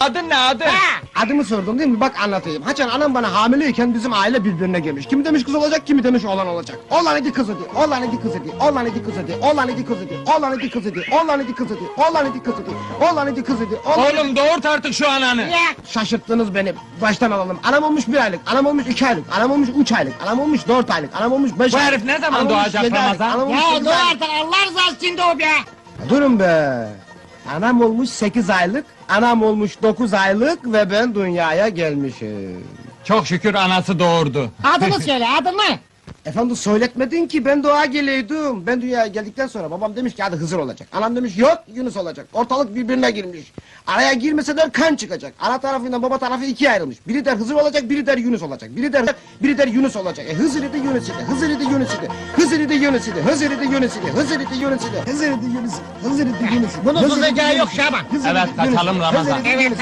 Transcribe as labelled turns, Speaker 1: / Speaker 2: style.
Speaker 1: Adın ne adın?
Speaker 2: Adımı sordun değil mi? Bak anlatayım. Haçan anam bana hamileyken bizim aile birbirine girmiş. Kimi demiş kız olacak, kimi demiş oğlan olacak. Oğlan idi kız idi, oğlan idi kız idi, oğlan idi kız idi, oğlan idi kız idi, oğlan idi kız idi, oğlan idi kız idi, oğlan idi kız idi, oğlan idi kız idi,
Speaker 1: Oğlum doğurt artık şu ananı.
Speaker 2: Şaşırttınız beni. Baştan alalım. Anam olmuş 1 aylık, anam olmuş 2 aylık, anam olmuş 3 aylık, anam olmuş 4 aylık, anam olmuş 5
Speaker 1: Bu
Speaker 2: aylık.
Speaker 1: herif ne zaman
Speaker 2: anam olmuş
Speaker 1: doğacak
Speaker 2: 7 aylık,
Speaker 1: Ramazan?
Speaker 2: anam olmuş
Speaker 3: Ya
Speaker 2: 8
Speaker 3: dur
Speaker 2: aylık.
Speaker 3: artık Allah rızası için de o be!
Speaker 2: Durun be. Anam olmuş 8 aylık, anam olmuş 9 aylık ve ben dünyaya gelmişim.
Speaker 1: Çok şükür anası doğurdu.
Speaker 3: Adını söyle, adını!
Speaker 2: Efendim söyletmedin ki ben doğa geleydim. Ben dünyaya geldikten sonra babam demiş ki hadi Hızır olacak. Anam demiş yok Yunus olacak. Ortalık birbirine girmiş. Araya girmeseler kan çıkacak. Ana tarafıyla baba tarafı ikiye ayrılmış. Biri der Hızır olacak, biri der Yunus olacak. Biri der Yunus olacak. Hızır idi Yunus idi. Hızır idi Yunus idi. Hızır idi Yunus idi. Hızır idi Yunus idi. Hızır idi Yunus idi. Hızır idi Yunus idi. Hızır idi Yunus idi.
Speaker 3: Bunun
Speaker 2: Hızır idi
Speaker 3: susacağı
Speaker 2: Yunus
Speaker 3: yok
Speaker 2: idi.
Speaker 3: Şaban.
Speaker 2: Hızır
Speaker 1: Evet,
Speaker 2: idi Yunus
Speaker 1: kaçalım
Speaker 2: idi.
Speaker 1: Ramazan.
Speaker 2: Hızır idi
Speaker 3: Evet,
Speaker 2: Yunus idi.